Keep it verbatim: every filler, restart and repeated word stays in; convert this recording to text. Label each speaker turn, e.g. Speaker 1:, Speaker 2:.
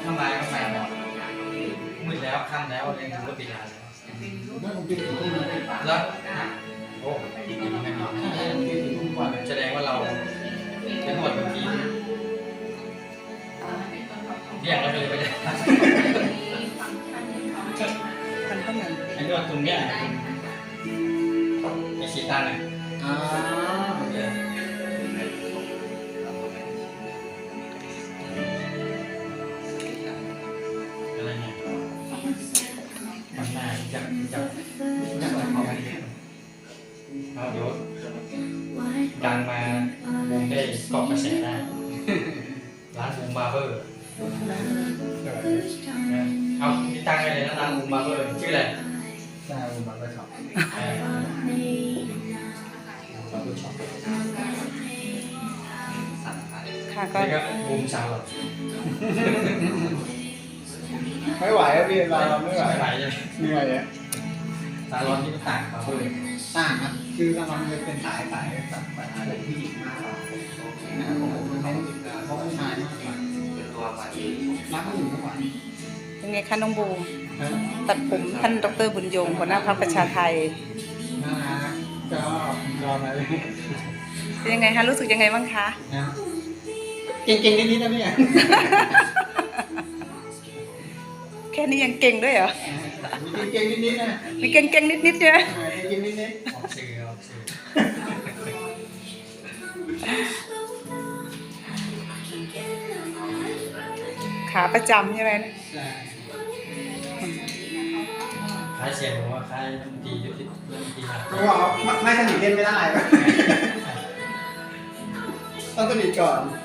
Speaker 1: ถ้ามาก็มาหมดมืดแล้วค่ำแล้วเรียนถึงก็ปิดร้านแล้ว
Speaker 2: นั่นผมกินถึงทุ่มเลย
Speaker 1: แล้วโอ้ปิดถึงแน่นอน
Speaker 2: ใช่ผมกินถึงทุ่มกว่าเลย
Speaker 1: แสดงว่าเราเป็นหมดบางทีเรียกเราเลยไปเลย
Speaker 3: มันก็เหมือน
Speaker 1: ไอ้นวดตรงเนี้ยไอ้ขีดตาเลย
Speaker 2: อ่า
Speaker 1: อะไรเนี่ยมันน่าจะจะ
Speaker 2: อย่างไรของมัน
Speaker 1: เอาเดี๋ยวดังมาบูมได้เกาะกระแสได้ ร้านบูมบาร์เบอร์เอาพี่ตั้งไว้เลยนะร้านบูมบาร์เบอร์ชื่ออะไร
Speaker 2: ใช่ผมมาไปขับ
Speaker 1: เออเราดูช็อป
Speaker 3: ค่ะก็
Speaker 1: นี่ก็บูมสาวหรอ
Speaker 2: ไม่ไหวอะพี่เราไม่ไหว
Speaker 1: ไม่ไหวใช่ไหม
Speaker 2: เหนื่อยอะ
Speaker 1: สาวร้อนที่ต่างบาร์เบอร์
Speaker 2: ต่างครับคือเรามันเป็นสายสายสายสายผู้หญิงมากกว่านะครับผมเขาเขาผู้ชายมากกว่ารักผู้หญิงมากกว่า
Speaker 3: เป็นไงคะน้องบูมตัดผมท่านดรบุญยงหัวหน้าพรรคประชาไทย
Speaker 2: น่ารักก็รอมาเลย
Speaker 3: เป็นยังไงคะรู้สึกยังไงบ้างคะ
Speaker 2: นะเก่งๆนิดๆนะพี่
Speaker 3: แค่นี้ยังเก่งด้วยเหรอ
Speaker 2: มีเก่งๆนิดๆนะ
Speaker 3: มีเก่งๆนิดๆใช่ไหม
Speaker 2: เก่งๆนิด
Speaker 1: ออกสื่อออกสื่อ
Speaker 3: ขาประจำใช่ไหม
Speaker 2: ๆใช่
Speaker 1: คล้ายเสียงผมว่าคล้ายน้ำตียุติเรื่องตีหนัก
Speaker 2: เขาบอกว่าไม่สนิทเล่นไม่ได้ ต้องสนิทก่อน